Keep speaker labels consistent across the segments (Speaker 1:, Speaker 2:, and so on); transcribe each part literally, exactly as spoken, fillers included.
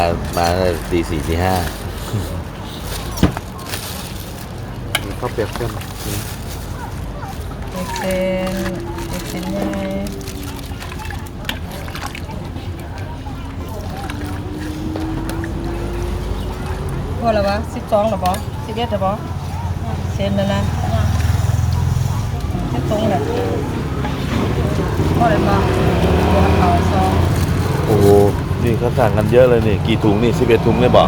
Speaker 1: มาตีสี่ตีห้า
Speaker 2: ข้าวเปียกเส้น
Speaker 3: เส้นเส้นใหญ่พอแล้ววะสิบสองหรอบอสิบเอ็ดหรอบอเส้นนั่นนะแค่ตรงแหละพอเลยมาตัวเขาซอง
Speaker 1: โอ้โหนี่เขาสั่งกันเยอะเลยนี่กี่ถุงนี่สิบเอ็ดถุงเลยบอก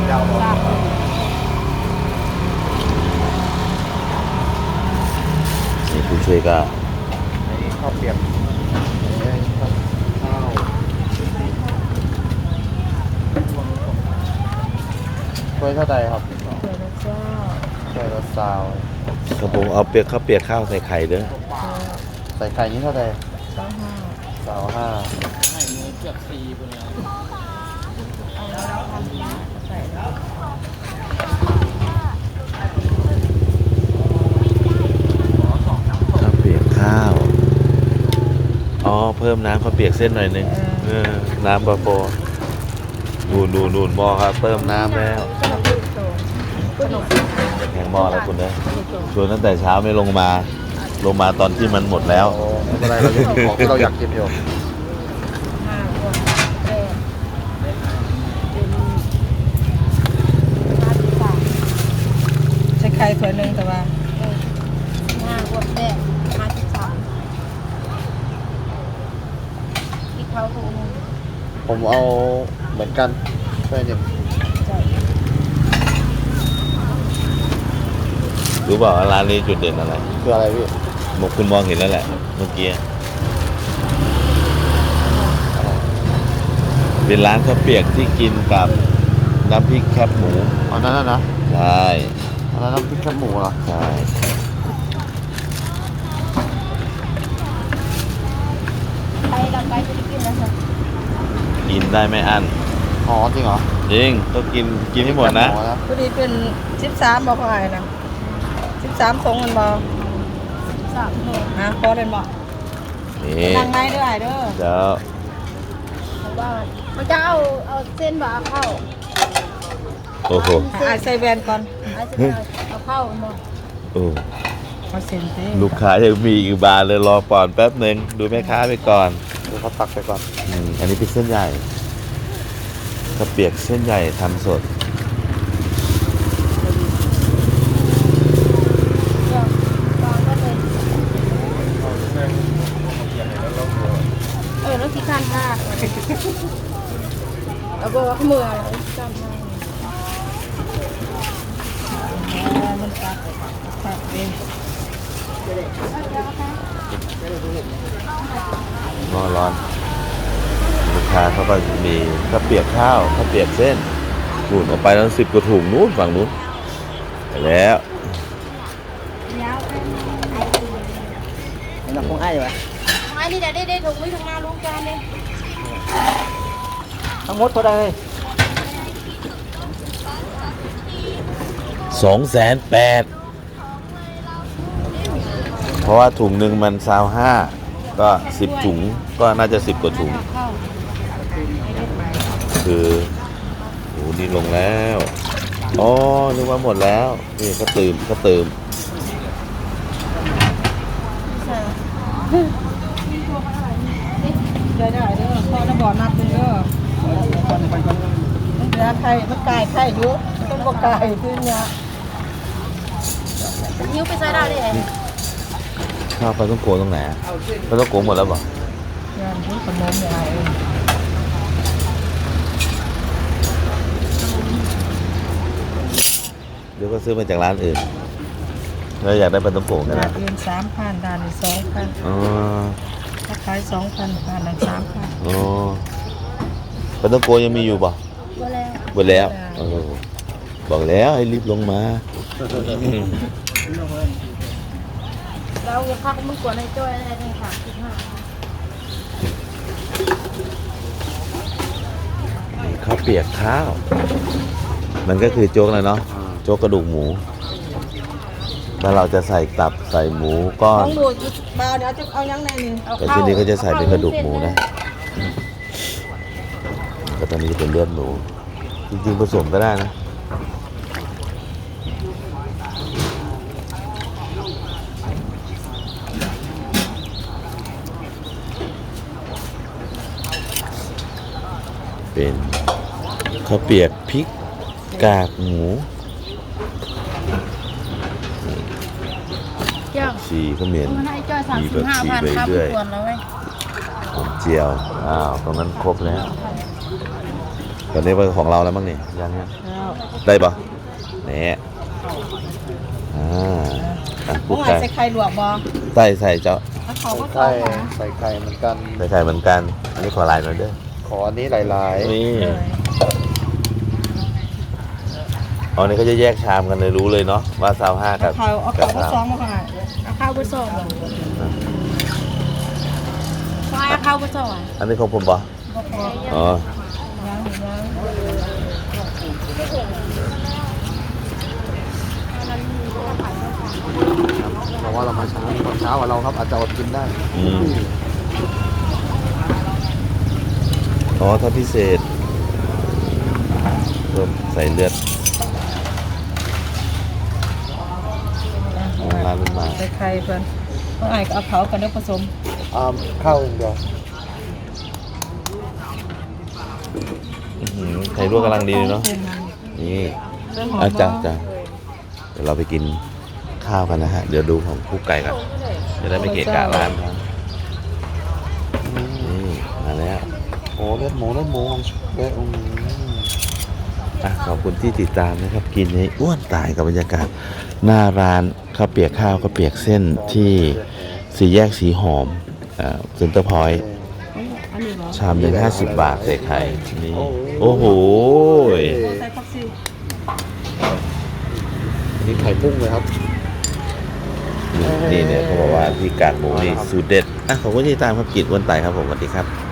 Speaker 1: นี่ผู้ช่วยก็
Speaker 2: ข้าวเปียกข้าวถ้วยเท่าใดครับถ้วยละเจ้าถ้วยละซาว
Speaker 1: ครับผมเอาเปียกข้าวเปียกข้าวใส่ไข่เด้อ
Speaker 2: ใส่ไข่นี้เท่าใด
Speaker 3: สองห้า
Speaker 2: สาวห้า
Speaker 4: ไข่เนื้อเกือบสี่ไปเลย
Speaker 1: ข้าวเปียกข้าวอ๋อเพิ่มน้ำข้าวเปียกเส้นหน่อยนึงเออน้ำปลาโปนูนนูนนูนหม้อครับเพิ่มน้ำแล้วแข็งหม้อแล้วคุณเนอะชวนตั้งแต่เช้าไม่ลงมาลงมาตอนที่มันหมดแล้ว
Speaker 2: อะไรเรายังของที่เราอยากกินอยู่
Speaker 3: ใช้ไข่ถ้วยหนึ่งแต่ว่า
Speaker 5: ห้าขวดแรกห้าสิบสามที่เขาถูก
Speaker 2: ผมเอาเหมือนกันถ้วยหนึ่ง
Speaker 1: รู้เปล่าร้านนี้จุดเด่นอะไร
Speaker 2: คืออะไรพี่
Speaker 1: มคุณมองเห็นแล้วแหละเมื่อกี้เป็นร้านข้าวเปียกที่กินกับน้ำพริกแคบหมู
Speaker 2: อ๋อนั่นนะ
Speaker 1: ใช่
Speaker 2: อันนั้นน้ำพริกแคบหมูเหรอ
Speaker 1: ใช่
Speaker 5: ไปเราไปจะได้กินแล้วค่ะ
Speaker 1: กินได้ไม่อั้น
Speaker 2: อ๋อจริงเหรอ
Speaker 1: จริงต้องกินกินให้หมดนะ
Speaker 3: พอดีเป็นสิบสามบอกอะไรนะสิบสามทรงกันบอ
Speaker 5: สามโล
Speaker 3: ฮะพอเล่นบอ
Speaker 1: นี่
Speaker 3: นั่งไม้ด้วยเด้อ
Speaker 1: เดี๋ยว
Speaker 5: เพราะว่ามันจะเอาเอาเส้นบ่เอาเข้า
Speaker 1: โอ้โห
Speaker 3: ไอใส่แวนก่อน
Speaker 5: เอาเส้นเอาเข้าหมด
Speaker 1: โอ้
Speaker 3: เอาเส้นสิ
Speaker 1: ลูกค้ายังมีอีกบานเลยรอก่อนแป๊บหนึ่งดูแม่ค้าไปก่อน
Speaker 2: ดูเขาตักไปก่อน
Speaker 1: อืมอันนี้เป็นเส้นใหญ่ข้าวเปียกเส้นใหญ่ทำสด
Speaker 5: เออแล้วที่ข้างหน้าเอาบอกว่ามืออะไรจำได้
Speaker 3: มันตักตักเอง
Speaker 1: ร้อนร้อนลูกค้าเขาก็มีข้าวเปียกข้าวข้าวเปียกเส้นหนุนออกไปแล้วสิบกว่าถุงนู้นฝั่งนู้นไปแล้ว
Speaker 4: นี่เราคงไอ้ไหม
Speaker 5: ไอ้นี่เดี๋ยวได้ได้ถุงไว้ถุงมาลุงจานเลย
Speaker 4: ทั้งหมดเท่าไหร่
Speaker 1: สองแสนแปดเพราะว่าถุงหนึ่งมันซาวห้าก็สิบถุงก็น่าจะสิบกว่าถุงคือโอ้นี่ลงแล้วอ๋อนึกว่าหมดแล้วนี่ก็ตื่มก็ตื่ม
Speaker 3: ได้ได้เด้อพอจะบอกนับเลยเด้อเนื้อไข่มันไก่ไข่เยอะต้องบอกไก่ขึ้นเนี้ย
Speaker 5: นิ้วไปใส่ได้เลย
Speaker 1: ข้าวปลาต้องโกตรงไหนปลาต้องโกหมดแล้วเปล่า
Speaker 3: ย่างที่ขนมใหญ่
Speaker 1: เดี๋ยวก็ซื้อมาจากร้านอื่นเราอยากได้ปลาต้องโกกันนะ
Speaker 3: ร้านอื่นสามพันร้านนี้สองพัน
Speaker 1: อ๋อ
Speaker 3: ถ้าขายสองพันร้านนั้นสามพัน
Speaker 1: อ๋อปลาต้องโกยังมีอยู่ป่ะ
Speaker 5: หมดแล้ว
Speaker 1: หมดแล้วบอกแล้วให้รีบลงมา
Speaker 5: เราจะพักมึงกวนให้จ้อยอะไรในสามสิบห้า
Speaker 1: ข้าวเปียกข้าวมันก็คือโจ๊กเลยเนาะโจ๊กกระดูกหมูแล้วเราจะใส่ตับใส่หมูก้อน
Speaker 3: ดูบาวเดี๋ยวจะเอายังไงนี่
Speaker 1: แต่ที่นี้ก็จะใส่เป็นกระดูกหมูนะก็ตอนนี้จะเป็นเลือดหมูจริงๆผสมก็ได้นะเป็นข้าวเปียกพริกกากหมู
Speaker 5: เจ้า
Speaker 1: ชีข้าวเหมียน
Speaker 5: มันให้จ้อยสามสิบห้าพันครับไม่ควรแล้วเว้ย
Speaker 1: หอมเจียวอ้าวตรงนั้นครบแล้วตอนนี้เป็นของเราแล้วมั้งนี่ยังยัง
Speaker 3: แล้ว
Speaker 1: ได้ปะเนี่ยอ่าอ่ะ
Speaker 3: พว
Speaker 1: ปุ๊
Speaker 3: ก
Speaker 1: ก
Speaker 3: ไข่
Speaker 1: ไก่
Speaker 3: ใส่ไข่ลวกบ่
Speaker 1: ใส่ใส่เจ้า
Speaker 3: แล้วเขาก็
Speaker 2: ใส่
Speaker 3: ต้อง
Speaker 2: ไข่ใส่ไข่เหมือนกัน
Speaker 1: ใส่ไข่เหมือนกัน อันนี้ขอลายหน่อยเด้อ
Speaker 2: ขออันนี้หลาย
Speaker 1: นี่
Speaker 3: เลย
Speaker 1: อ๋อนี่เขาจะแยกชามกันเลยรู้เลยเนาะว่าซาวห้า
Speaker 3: เอา
Speaker 1: กับ
Speaker 3: ข้าวเอา
Speaker 1: กั
Speaker 3: ข้าวก็
Speaker 1: ซาว
Speaker 3: ซ้อมมาก่อน
Speaker 5: เอาข้าวไปส่งซอยเอาข้าวไปส่งอ่ะ
Speaker 1: อันนี้ของผมปะ
Speaker 3: บ่พอ
Speaker 1: อ๋อ
Speaker 3: ยังยัง
Speaker 2: ๆเพราะว่าเรามาเช้าตอนเช้ากว่าเราครับอาจจะอดกินได้
Speaker 1: อืมอ๋อถ้าพิเศษเพิ่มใส่เลือดอ๋อร้านมันมา
Speaker 3: ใส่ไข่เพิ่นต้องไอ้ก็เอาเผากันเด้อผสม
Speaker 2: อ่าข้าวอย่างเดียว
Speaker 1: อื้อหือไข่ลวกกำลังดีเลยเนาะนี่
Speaker 3: เรื่องหอม
Speaker 1: อาจา
Speaker 3: บ่
Speaker 1: รย์จ้ะเดี๋ยวเราไปกินข้าวกันนะฮะ เดี๋ยวดูของคุกไก่ก่อนจะได้ไม่เกะกะร้านครับนี่มาแล้ว
Speaker 2: โอ้เลือดหมูเลือดหมูเลือดอืม
Speaker 1: อ่ะขอบคุณที่ติดตามนะครับ กินให้อ้วนตายกับบรรยากาศ หน้าร้านข้าวเปียกข้าวข้าวเปียกเส้นที่สี่แยกสีหอมอ่าเซ็นเตอร์พอยต์
Speaker 3: อันนี้เหรอ
Speaker 1: ชามหนึ่งห้าสิบบาทใส่ไข่นี่โอ้โห
Speaker 3: ใส่ผักชี
Speaker 2: อันนี้ไข่พุ่งเลยครับ
Speaker 1: นี่นี่เนี่ยเขาบอกว่าที่กากหมูนี่สูตรเด็ดอ่ะขอบคุณที่ติดตามครับกินอ้วนตายครับผมสวัสดีครับ